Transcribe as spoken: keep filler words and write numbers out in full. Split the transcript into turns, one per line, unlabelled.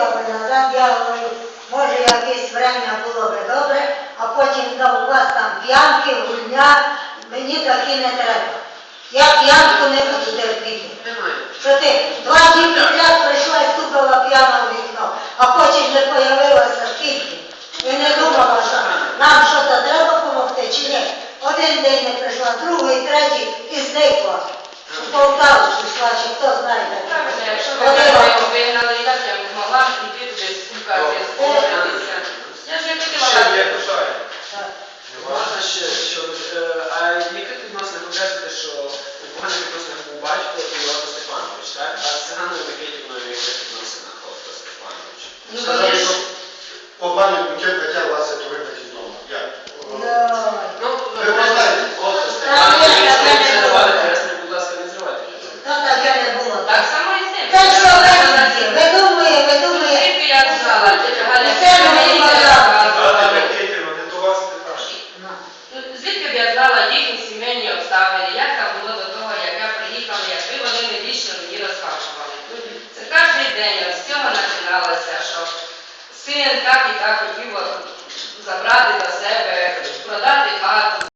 би назад, я говорю, може якесь время було би добре, а потім да, у вас там п'янки, гульня, мені такі не треба. Я п'янку не буду терпіти. Що ти два дні підряд прийшла і стукала п'яна у вікно, а потім не появилася скільки. І не думала, що нам щось треба допомогти чи ні. Один день не прийшла, другий, третій і зникла. У Полтаву пішла, чи хто знає.
Якщо ви мене вигнали, як я могла піти десь стукати, споритися. Я ж не хотіла.
Можна ще, що, а яких відносин ви кажете, що у поганих відносинах був батько і Олег Степанович, так? А з Циганою Микитівною в яких відносинах Олег Степанович?
Ну, вони ж...
По пані Букет хотя вас это выбрать из дома. Я.
Ну,
Ви знаєте.
Олег Степанович,
Так,
ви
я
не
не
зривали,
була.
пересне, будь ласка, не зривайте.
Ну таке не було.
Так само і з ним.
Та що ви робите? Ви думаєте, ви думаєте.
Звідки я знала, тетя Галя,
Це
що
мені
мені
казала.
Не до вас питання.
Ну, звідки б я знала їхні сімейні обставини, як там було до того, як я приїхала, якби вони не вічно мені розказували. Це кожен день з цього починалося, що син так і так хотів забрати до себе, продати хату.